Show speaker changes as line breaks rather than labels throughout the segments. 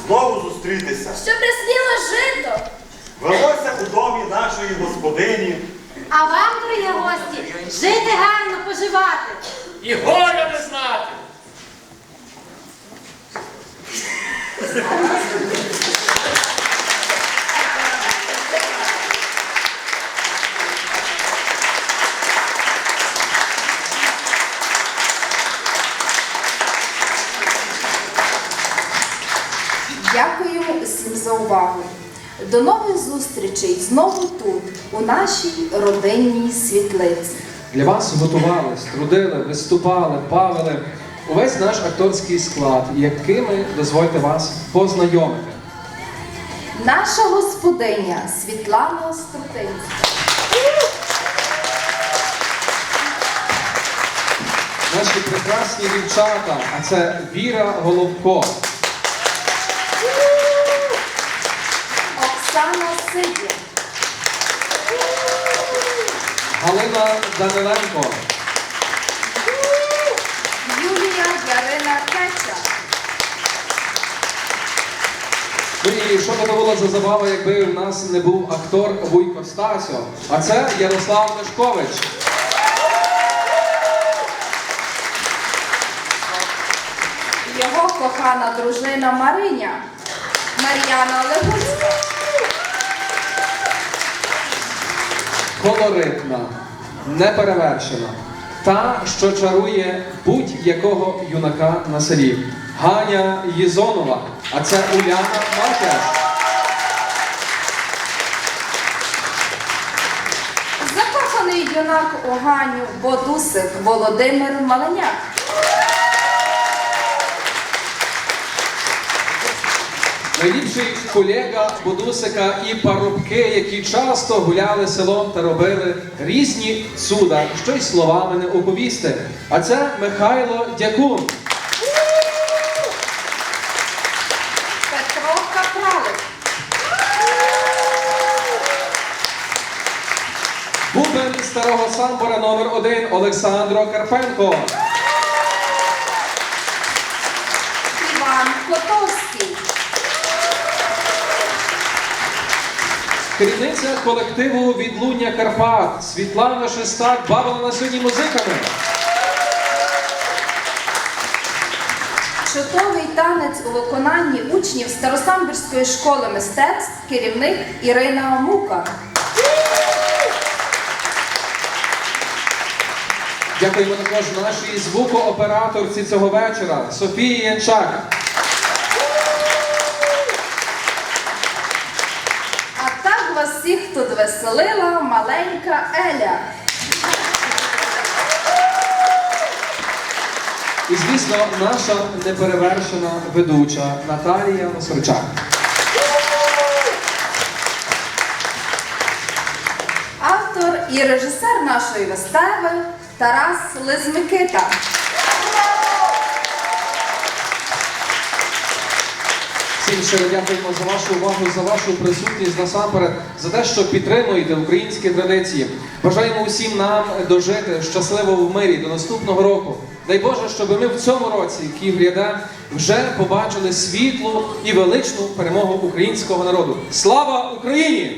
знову зустрітися.
Що присніло жито.
Велося у домі нашої господині.
А вам, дорогі гості, жити гарно, поживати.
І горя не знати.
Дякуємо усім за увагу. До нових зустрічей знову тут, у нашій родинній світлиці.
Для вас готувались, трудили, виступали, бавили увесь наш акторський склад, якими дозвольте вас познайомити.
Наша господиня Світлана Стратинська.
Наші прекрасні дівчата, а це Віра Головко,
Оксана Сидір.
Галина Даниленко,
Юлія Ярина Кеча.
ну і що би то було за забава, якби в нас не був актор Вуйко Стасьо, а це Ярослав Мешкович.
Його кохана дружина Мариня, Мар'яна Легуцька.
Колоритна, неперевершена, та, що чарує будь-якого юнака на селі. Ганя Єзонова, а це Уляна Маркеш.
Закоханий юнак у Ганю Бодусик Володимир Маленяк.
Найліпший колега Бодусика і парубки, які часто гуляли селом та робили різні цуда, що й словами не оповісти. А це Михайло Дякун.
Петро Капралик.
Бубен старого самбора номер 1 Олександро Карпенко.
Іван Котовський.
Керівниця колективу «Відлуння Карпат» Світлана Шестак бавила на сьогодні музиками.
Чудовий танець у виконанні учнів Старосамбірської школи мистецтв, керівник Ірина Мука.
Дякуємо також нашій звукооператорці цього вечора Софії Янчак.
А так вас всіх тут веселила маленька Еля.
І, звісно, наша неперевершена ведуча Наталія Носорчак.
Автор і режисер нашої вистави Тарас Лизмикита.
Всім щиро дякуємо за вашу увагу, за вашу присутність насамперед, за те, що підтримуєте українські традиції. Бажаємо усім нам дожити щасливо в мирі до наступного року. Дай Боже, щоб ми в цьому році, який гряде, вже побачили світлу і величну перемогу українського народу. Слава Україні!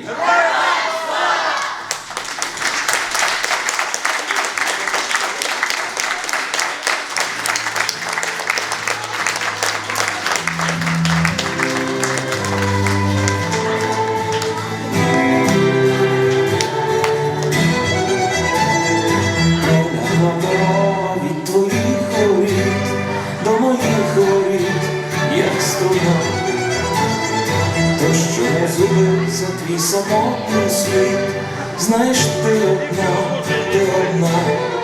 Від твоїх воріт до моїх воріт, як струна, то що не зубився твій самотній світ, знаєш, ти одна, ти одна.